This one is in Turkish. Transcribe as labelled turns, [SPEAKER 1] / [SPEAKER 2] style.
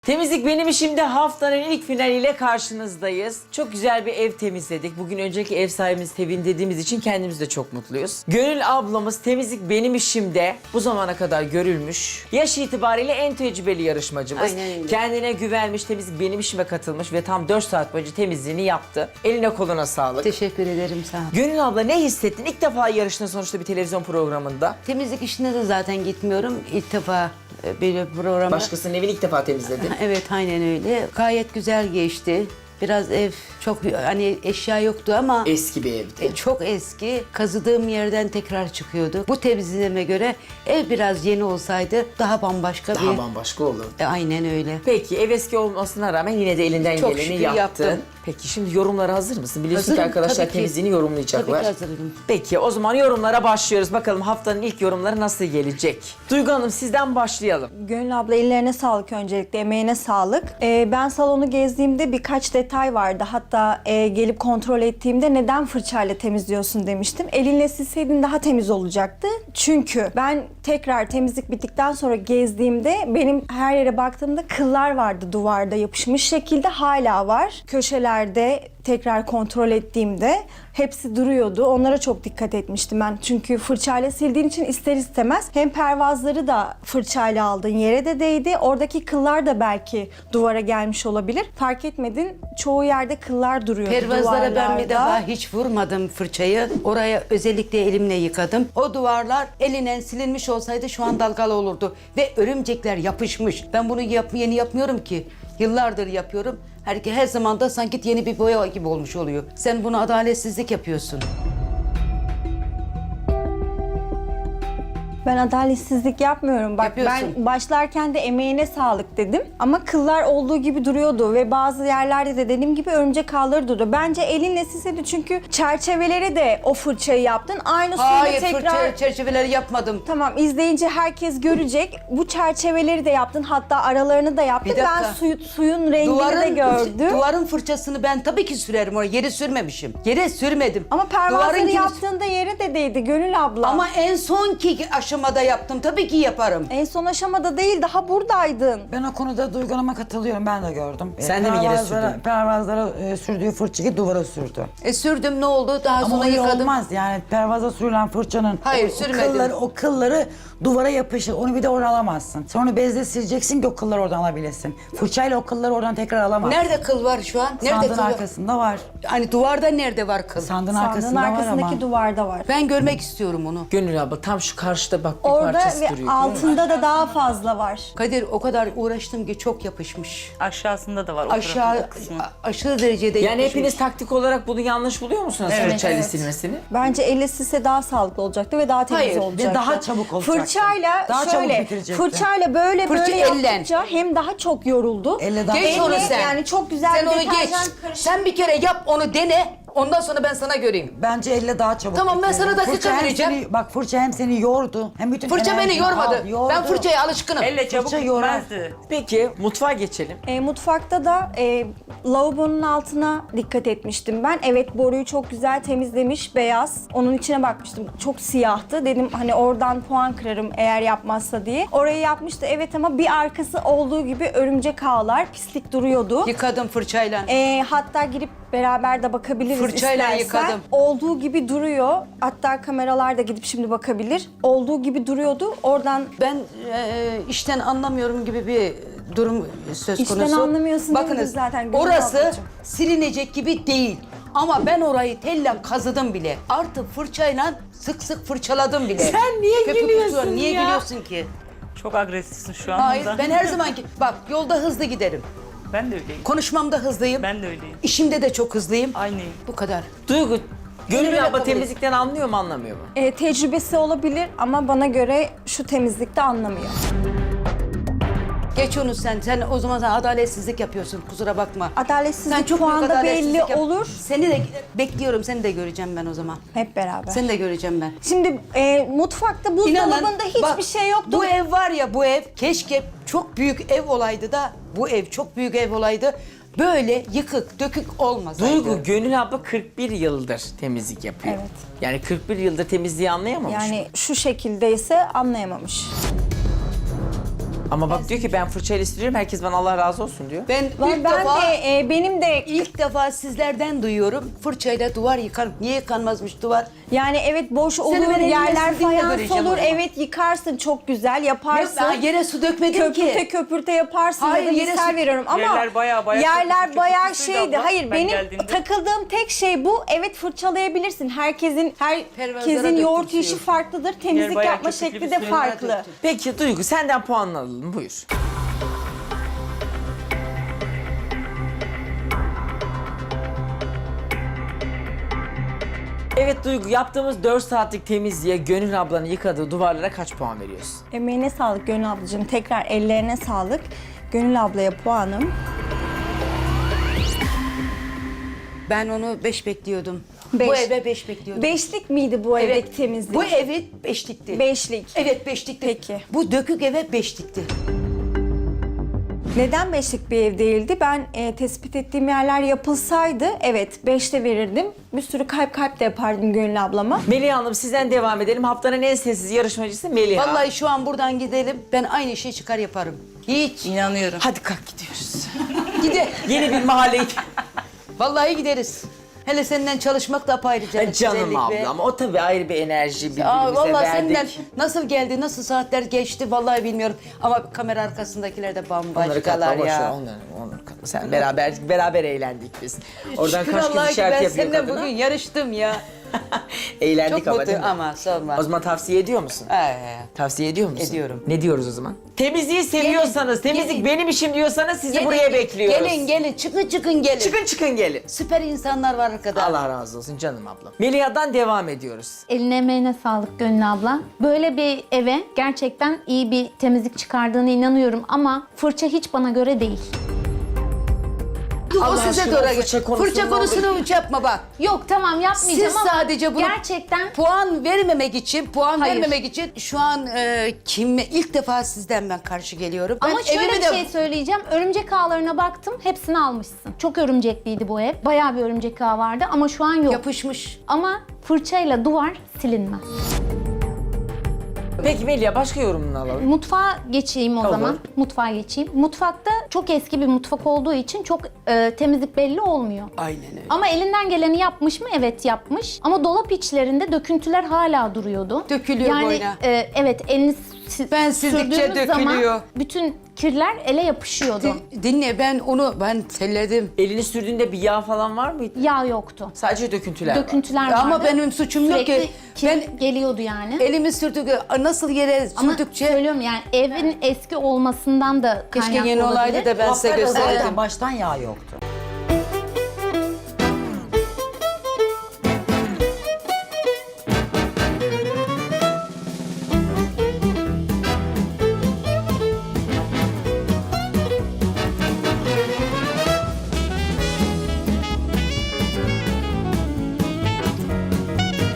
[SPEAKER 1] Temizlik benim işimde haftanın ilk finaliyle karşınızdayız. Çok güzel bir ev temizledik. Bugün önceki ev sahibimiz Tevin dediğimiz için kendimiz de çok mutluyuz. Gönül ablamız temizlik benim işimde bu zamana kadar görülmüş. Yaş itibariyle en tecrübeli yarışmacımız.
[SPEAKER 2] Aynen öyle.
[SPEAKER 1] Kendine güvenmiş, temizlik benim işime katılmış ve tam 4 saat boyunca temizliğini yaptı. Eline koluna sağlık.
[SPEAKER 2] Teşekkür ederim, sağ ol.
[SPEAKER 1] Gönül abla ne hissettin? İlk defa yarıştın sonuçta bir televizyon programında.
[SPEAKER 2] Temizlik işine de zaten gitmiyorum. İlk defa bir programda.
[SPEAKER 1] Başkasının evini ilk defa temizledin.
[SPEAKER 2] Evet, aynen öyle. Gayet güzel geçti. Biraz ev çok hani eşya yoktu ama
[SPEAKER 1] Eski bir evdi.
[SPEAKER 2] çok eski. Kazıdığım yerden tekrar çıkıyordu. Bu temizliğime göre ev biraz yeni olsaydı daha bambaşka
[SPEAKER 1] Daha
[SPEAKER 2] bir...
[SPEAKER 1] bambaşka olurdu.
[SPEAKER 2] Aynen öyle.
[SPEAKER 1] Peki ev eski olmasına rağmen yine de elinden
[SPEAKER 2] Çok
[SPEAKER 1] geleni
[SPEAKER 2] şükür
[SPEAKER 1] yaptın.
[SPEAKER 2] yaptım.
[SPEAKER 1] Peki şimdi yorumlara hazır mısın? Biliyorsun ki
[SPEAKER 2] Hazırım,
[SPEAKER 1] arkadaşlar
[SPEAKER 2] tabii ki.
[SPEAKER 1] temizliğini yorumlayacaklar.
[SPEAKER 2] Tabii ki hazırım.
[SPEAKER 1] Peki o zaman yorumlara başlıyoruz. Bakalım haftanın ilk yorumları nasıl gelecek? Duygu Hanım sizden başlayalım.
[SPEAKER 3] Gönül abla ellerine sağlık öncelikle, emeğine sağlık. Ben salonu gezdiğimde birkaç detay vardı. Hatta gelip kontrol ettiğimde neden fırçayla temizliyorsun demiştim. Elinle silseydin daha temiz olacaktı. Çünkü ben tekrar temizlik bittikten sonra gezdiğimde benim her yere baktığımda kıllar vardı duvarda yapışmış şekilde hala var. Köşelerde tekrar kontrol ettiğimde hepsi duruyordu. Onlara çok dikkat etmiştim ben. Çünkü fırçayla sildiğin için ister istemez hem pervazları da fırçayla aldın, yere de değdi. Oradaki kıllar da belki duvara gelmiş olabilir. Fark etmedin. Çoğu yerde kıllar duruyordu
[SPEAKER 2] Pervazlara ben bir
[SPEAKER 3] duvarlarda.
[SPEAKER 2] defa hiç vurmadım fırçayı. Oraya özellikle elimle yıkadım. O duvarlar elinen silinmiş olsaydı şu an dalgalı olurdu. Ve örümcekler yapışmış. Ben bunu yeni yapmıyorum ki. Yıllardır yapıyorum. Her zaman da sanki yeni bir boya gibi olmuş oluyor. Sen bunu adaletsizlik yapıyorsun.
[SPEAKER 3] Ben adaletsizlik yapmıyorum. Bak
[SPEAKER 2] Yapıyorsun.
[SPEAKER 3] ben başlarken de emeğine sağlık dedim. Ama kıllar olduğu gibi duruyordu ve bazı yerlerde de dediğim gibi örümcek ağları duruyor. Bence elinle silseydi çünkü çerçevelere de o fırçayı yaptın. Aynı suyla
[SPEAKER 2] Hayır,
[SPEAKER 3] tekrar...
[SPEAKER 2] fırça çerçeveleri yapmadım.
[SPEAKER 3] Tamam, izleyince herkes görecek. Bu çerçeveleri de yaptın. Hatta aralarını da yaptın.
[SPEAKER 2] Bir dakika.
[SPEAKER 3] Ben suyun rengini de gördüm.
[SPEAKER 2] Duvarın fırçasını ben tabii ki sürerim oraya. Yere sürmemişim. Yere sürmedim.
[SPEAKER 3] Ama pervazları
[SPEAKER 2] Duvarınkini-
[SPEAKER 3] yaptığında yere de değdi Gönül abla.
[SPEAKER 2] Ama en sonki aşamada yaptım. Tabii ki yaparım.
[SPEAKER 3] en son aşamada değil, daha buradaydın.
[SPEAKER 4] Ben o konuda Duygu Hanım'a katılıyorum. Ben de gördüm.
[SPEAKER 1] Sen de mi yere sürdün?
[SPEAKER 4] Pervazlara sürdüğü fırçayı duvara sürdü.
[SPEAKER 2] Sürdüm, ne oldu? Daha
[SPEAKER 4] Ama
[SPEAKER 2] sonra
[SPEAKER 4] öyle
[SPEAKER 2] yıkadım.
[SPEAKER 4] olmaz yani pervaza sürülen fırçanın
[SPEAKER 2] Hayır,
[SPEAKER 4] o
[SPEAKER 2] sürmedim.
[SPEAKER 4] kılları duvara yapışır. Onu bir de oradan alamazsın. Sonra bezle sileceksin ki o kılları oradan alabilesin. Fırçayla o kılları oradan tekrar alamazsın.
[SPEAKER 2] Nerede kıl var şu an? Nerede
[SPEAKER 4] Sandığın
[SPEAKER 2] kıl var?
[SPEAKER 4] arkasında var.
[SPEAKER 2] Hani duvarda nerede var kıl?
[SPEAKER 4] Sandığın
[SPEAKER 3] Sandığın
[SPEAKER 4] arkasında var
[SPEAKER 3] arkasındaki
[SPEAKER 4] ama.
[SPEAKER 3] duvarda var.
[SPEAKER 2] Ben görmek istiyorum onu.
[SPEAKER 1] Gönül abla tam şu karşıda bak bir
[SPEAKER 3] Orada
[SPEAKER 1] parçası
[SPEAKER 3] ve
[SPEAKER 1] duruyor.
[SPEAKER 3] altında da daha fazla var.
[SPEAKER 2] Kadir, o kadar uğraştım ki çok yapışmış.
[SPEAKER 5] Aşağısında da var. o
[SPEAKER 2] Aşağı
[SPEAKER 5] tarafın kısmı.
[SPEAKER 2] aşırı derecede
[SPEAKER 1] Yani
[SPEAKER 2] yapışmış.
[SPEAKER 1] hepiniz taktik olarak bunu yanlış buluyor musunuz fırçayla
[SPEAKER 3] evet.
[SPEAKER 1] silmesini?
[SPEAKER 3] Bence elle silse daha sağlıklı olacaktı ve daha temiz
[SPEAKER 2] Hayır, ve
[SPEAKER 3] olacaktı.
[SPEAKER 4] daha çabuk olacaktı.
[SPEAKER 3] Fırçayla
[SPEAKER 4] Daha çabuk
[SPEAKER 3] şöyle,
[SPEAKER 4] bitirecekti.
[SPEAKER 3] fırçayla böyle
[SPEAKER 2] Fırça elle.
[SPEAKER 3] yaptıkça hem daha çok yoruldu.
[SPEAKER 4] Elle daha
[SPEAKER 2] Geç onu sen.
[SPEAKER 3] Yani çok güzel
[SPEAKER 2] Sen
[SPEAKER 3] bir
[SPEAKER 2] onu geç.
[SPEAKER 3] deterjan karışımı.
[SPEAKER 2] Sen bir kere yap, onu dene. Ondan sonra ben sana göreyim.
[SPEAKER 4] Bence elle daha çabuk.
[SPEAKER 2] Tamam, ben
[SPEAKER 4] bitirir.
[SPEAKER 2] sana dakika
[SPEAKER 4] Fırça hem
[SPEAKER 2] vereceğim.
[SPEAKER 4] bak fırça hem seni yordu. Hem bütün
[SPEAKER 2] Fırça beni
[SPEAKER 4] enerjini
[SPEAKER 2] yormadı.
[SPEAKER 4] al, yordu.
[SPEAKER 2] Ben fırçaya alışkınım.
[SPEAKER 5] Elle çabuk
[SPEAKER 4] Fırça yorar.
[SPEAKER 5] bitmezdi.
[SPEAKER 1] Peki mutfağa geçelim.
[SPEAKER 3] Mutfakta da lavabonun altına dikkat etmiştim ben. Evet, boruyu çok güzel temizlemiş, beyaz. Onun içine bakmıştım. Çok siyahtı. Dedim hani oradan puan kırarım eğer yapmazsa diye. Orayı yapmıştı evet ama bir arkası olduğu gibi örümcek ağlar, pislik duruyordu.
[SPEAKER 2] Yıkadım fırçayla.
[SPEAKER 3] Hatta girip beraber de bakabiliriz
[SPEAKER 2] Fırçayla
[SPEAKER 3] istersen.
[SPEAKER 2] yıkadım.
[SPEAKER 3] Olduğu gibi duruyor. Hatta kameralar da gidip şimdi bakabilir. Olduğu gibi duruyordu. Oradan
[SPEAKER 2] Ben işten anlamıyorum gibi bir durum söz
[SPEAKER 3] İşten
[SPEAKER 2] konusu.
[SPEAKER 3] anlamıyorsun
[SPEAKER 2] Bakınız,
[SPEAKER 3] demiyoruz zaten, Gülüm
[SPEAKER 2] orası
[SPEAKER 3] ablacığım.
[SPEAKER 2] silinecek gibi değil. Ama ben orayı telle kazıdım bile. Artık fırçayla sık sık fırçaladım bile.
[SPEAKER 1] Sen niye
[SPEAKER 2] Köpük
[SPEAKER 1] gülüyorsun
[SPEAKER 2] tutuyor. Niye
[SPEAKER 1] ya?
[SPEAKER 2] gülüyorsun ki?
[SPEAKER 5] Çok agresifsin şu an.
[SPEAKER 2] Hayır,
[SPEAKER 5] burada.
[SPEAKER 2] ben her zamanki... Bak, yolda hızlı giderim.
[SPEAKER 5] Ben de öyleyim.
[SPEAKER 2] Konuşmamda hızlıyım.
[SPEAKER 5] Ben de öyleyim.
[SPEAKER 2] İşimde de çok hızlıyım.
[SPEAKER 5] Aynıyım.
[SPEAKER 2] Bu kadar.
[SPEAKER 1] Duygu, Gönül
[SPEAKER 2] Öyle
[SPEAKER 1] abla
[SPEAKER 2] kabul et.
[SPEAKER 1] temizlikten anlıyor mu anlamıyor mu?
[SPEAKER 3] tecrübesi olabilir ama bana göre şu temizlikte anlamıyor.
[SPEAKER 2] Geç onu sen. Sen o zaman sen adaletsizlik yapıyorsun. Kusura bakma.
[SPEAKER 3] Adaletsizlik
[SPEAKER 2] Sen çok büyük
[SPEAKER 3] puanda
[SPEAKER 2] adaletsizlik
[SPEAKER 3] belli
[SPEAKER 2] yap-
[SPEAKER 3] olur.
[SPEAKER 2] Seni de bekliyorum. Seni de göreceğim ben o zaman.
[SPEAKER 3] Hep beraber.
[SPEAKER 2] Seni de göreceğim ben.
[SPEAKER 3] Şimdi mutfakta buzdolabında hiçbir
[SPEAKER 2] bak,
[SPEAKER 3] şey yoktu.
[SPEAKER 2] Bu ev var ya, bu ev keşke çok büyük ev olaydı da, bu ev çok büyük ev olaydı. Böyle yıkık dökük olmasaydı.
[SPEAKER 1] Duygu, Gönül abla 41 yıldır temizlik yapıyor.
[SPEAKER 3] Evet.
[SPEAKER 1] Yani 41 yıldır temizliği anlayamamış mı?
[SPEAKER 3] Yani şu şekildeyse anlayamamış.
[SPEAKER 1] Ama bak diyor ki ben fırçayla siliyorum, herkes bana Allah razı olsun diyor.
[SPEAKER 2] Ben ilk
[SPEAKER 3] Ben
[SPEAKER 2] defa
[SPEAKER 3] de benim de
[SPEAKER 2] ilk defa sizlerden duyuyorum. Fırçayla duvar yıkarım. Niye yıkanmazmış duvar?
[SPEAKER 3] yani evet boş olur,
[SPEAKER 2] ben elinle
[SPEAKER 3] yerler
[SPEAKER 2] sildiğinde
[SPEAKER 3] fayans
[SPEAKER 2] göreceğim
[SPEAKER 3] olur.
[SPEAKER 2] o zaman.
[SPEAKER 3] Evet yıkarsın çok güzel yaparsın.
[SPEAKER 2] Ben yere su dökmedim
[SPEAKER 3] Köpürte
[SPEAKER 2] ki.
[SPEAKER 3] köpürte yaparsın
[SPEAKER 2] Hayır,
[SPEAKER 3] ya da
[SPEAKER 2] yere
[SPEAKER 3] misal
[SPEAKER 2] su-
[SPEAKER 3] veriyorum ama
[SPEAKER 5] Yerler bayağı
[SPEAKER 3] yerler
[SPEAKER 5] köpüklü
[SPEAKER 3] bayağı
[SPEAKER 5] köpüklüydü
[SPEAKER 3] şeydi.
[SPEAKER 5] abla,
[SPEAKER 3] Hayır
[SPEAKER 5] ben
[SPEAKER 3] benim
[SPEAKER 5] geldiğimde.
[SPEAKER 3] takıldığım tek şey bu. Evet fırçalayabilirsin. Herkesin
[SPEAKER 2] Pervazlara
[SPEAKER 3] yoğurt
[SPEAKER 2] döktüm
[SPEAKER 3] işi
[SPEAKER 2] suyu.
[SPEAKER 3] farklıdır. Temizlik
[SPEAKER 5] bayağı
[SPEAKER 3] yapma
[SPEAKER 5] köpüklü
[SPEAKER 3] şekli
[SPEAKER 5] bir
[SPEAKER 3] de
[SPEAKER 5] suyu
[SPEAKER 3] farklı.
[SPEAKER 2] döktüm.
[SPEAKER 1] Peki Duygu, senden puan alalım, buyur. Evet Duygu, yaptığımız 4 saatlik temizliğe Gönül ablanın yıkadığı duvarlara kaç puan veriyorsun?
[SPEAKER 3] Emeğine sağlık Gönül ablacığım. Tekrar ellerine sağlık. Gönül ablaya puanım.
[SPEAKER 2] Ben onu 5 bekliyordum.
[SPEAKER 3] Beş.
[SPEAKER 2] Bu eve 5 bekliyordum.
[SPEAKER 3] Beşlik miydi bu evdeki temizlik?
[SPEAKER 2] Bu evi 5'likti.
[SPEAKER 3] Beşlik.
[SPEAKER 2] Evet 5'likti.
[SPEAKER 3] Peki.
[SPEAKER 2] Bu dökük eve 5'likti.
[SPEAKER 3] Neden beşlik bir ev değildi? Ben tespit ettiğim yerler yapılsaydı evet 5'te verirdim. Bir sürü kalp de yapardım Gönül ablama.
[SPEAKER 1] Melih Hanım, sizden devam edelim. Haftanın en sessiz yarışmacısı Melih.
[SPEAKER 2] Vallahi şu an buradan gidelim. Ben aynı şeyi çıkar yaparım. Hiç.
[SPEAKER 5] İnanıyorum.
[SPEAKER 1] Hadi kalk gidiyoruz.
[SPEAKER 2] Gide.
[SPEAKER 1] Yeni bir mahalleye.
[SPEAKER 2] Vallahi gideriz. Hele senden çalışmak da apayrıca.
[SPEAKER 1] Canım ablam, o tabii ayrı bir enerji birbirimize
[SPEAKER 2] Vallahi
[SPEAKER 1] verdik.
[SPEAKER 2] senden nasıl geldi, nasıl saatler geçti vallahi bilmiyorum. Ama kamera arkasındakiler de
[SPEAKER 1] Onları
[SPEAKER 2] bambaşkalar
[SPEAKER 1] katla, boş ver,
[SPEAKER 2] ya.
[SPEAKER 1] onları katla. Sen beraber eğlendik biz. Oradan
[SPEAKER 2] Şükür
[SPEAKER 1] kaç
[SPEAKER 2] Allah'a
[SPEAKER 1] kez
[SPEAKER 2] ki
[SPEAKER 1] işaret
[SPEAKER 2] ben
[SPEAKER 1] yapıyor
[SPEAKER 2] seninle
[SPEAKER 1] kadına.
[SPEAKER 2] bugün yarıştım ya.
[SPEAKER 1] Eğlendik
[SPEAKER 2] Çok
[SPEAKER 1] ama
[SPEAKER 2] mutlu
[SPEAKER 1] değil mi?
[SPEAKER 2] ama sorma.
[SPEAKER 1] O zaman tavsiye ediyor musun? Tavsiye ediyor musun?
[SPEAKER 2] Ediyorum.
[SPEAKER 1] Ne diyoruz o zaman? Temizliği seviyorsanız, temizlik
[SPEAKER 2] gelin.
[SPEAKER 1] benim işim diyorsanız sizi buraya bekliyoruz.
[SPEAKER 2] Gelin çıkın gelin.
[SPEAKER 1] Çıkın gelin.
[SPEAKER 2] Süper insanlar var arkada.
[SPEAKER 1] Allah razı olsun canım ablam. Meliha'dan devam ediyoruz.
[SPEAKER 6] Eline emeğine sağlık Gönül abla. Böyle bir eve gerçekten iyi bir temizlik çıkardığına inanıyorum ama fırça hiç bana göre değil.
[SPEAKER 2] O
[SPEAKER 1] Allah
[SPEAKER 2] size
[SPEAKER 1] aşkına
[SPEAKER 2] doğru.
[SPEAKER 1] fırça konusunu
[SPEAKER 2] Fırça yapma bak.
[SPEAKER 6] Yok tamam yapmayacağım
[SPEAKER 2] Siz
[SPEAKER 6] ama
[SPEAKER 2] sadece bunu
[SPEAKER 6] gerçekten
[SPEAKER 2] puan vermemek için,
[SPEAKER 6] Hayır.
[SPEAKER 2] vermemek için şu an kime ilk defa sizden ben karşı geliyorum.
[SPEAKER 6] ama
[SPEAKER 2] Ben
[SPEAKER 6] şöyle
[SPEAKER 2] evimi
[SPEAKER 6] bir
[SPEAKER 2] de-
[SPEAKER 6] şey söyleyeceğim. Örümcek ağlarına baktım. Hepsini almışsın. Çok örümcekliydi bu ev. Bayağı bir örümcek ağı vardı ama şu an yok.
[SPEAKER 2] yapışmış.
[SPEAKER 6] Ama fırçayla duvar silinmez.
[SPEAKER 1] Peki Melih'a başka yorumunu alalım.
[SPEAKER 6] Mutfağa geçeyim o
[SPEAKER 1] Olur.
[SPEAKER 6] zaman. Mutfağa geçeyim. Mutfakta çok eski bir mutfak olduğu için çok temizlik belli olmuyor.
[SPEAKER 2] Aynen öyle.
[SPEAKER 6] Ama elinden geleni yapmış mı? Evet yapmış. Ama dolap içlerinde döküntüler hala duruyordu.
[SPEAKER 2] Dökülüyor
[SPEAKER 6] yani,
[SPEAKER 2] boyuna.
[SPEAKER 6] Evet elini
[SPEAKER 2] Ben sildikçe
[SPEAKER 6] sürdüğünüz zaman
[SPEAKER 2] dökülüyor.
[SPEAKER 6] bütün kirler ele yapışıyordu.
[SPEAKER 2] Dinle ben telledim.
[SPEAKER 1] Elini sürdüğünde bir yağ falan var mıydı?
[SPEAKER 6] Yağ yoktu.
[SPEAKER 1] Sadece döküntüler var.
[SPEAKER 6] Döküntüler vardı.
[SPEAKER 2] Ama benim suçum yok
[SPEAKER 6] Sürekli
[SPEAKER 2] ki.
[SPEAKER 6] kir
[SPEAKER 2] Ben
[SPEAKER 6] geliyordu yani.
[SPEAKER 2] elimi sürdük nasıl yere
[SPEAKER 6] Ama
[SPEAKER 2] sürdükçe
[SPEAKER 6] söylüyorum yani evin eski olmasından da
[SPEAKER 2] keşke
[SPEAKER 6] kaynaklı
[SPEAKER 2] yeni olaydı
[SPEAKER 6] olabilir.
[SPEAKER 2] da ben size
[SPEAKER 4] Haftada
[SPEAKER 2] gösterdim.
[SPEAKER 4] zaten baştan yağ yoktu.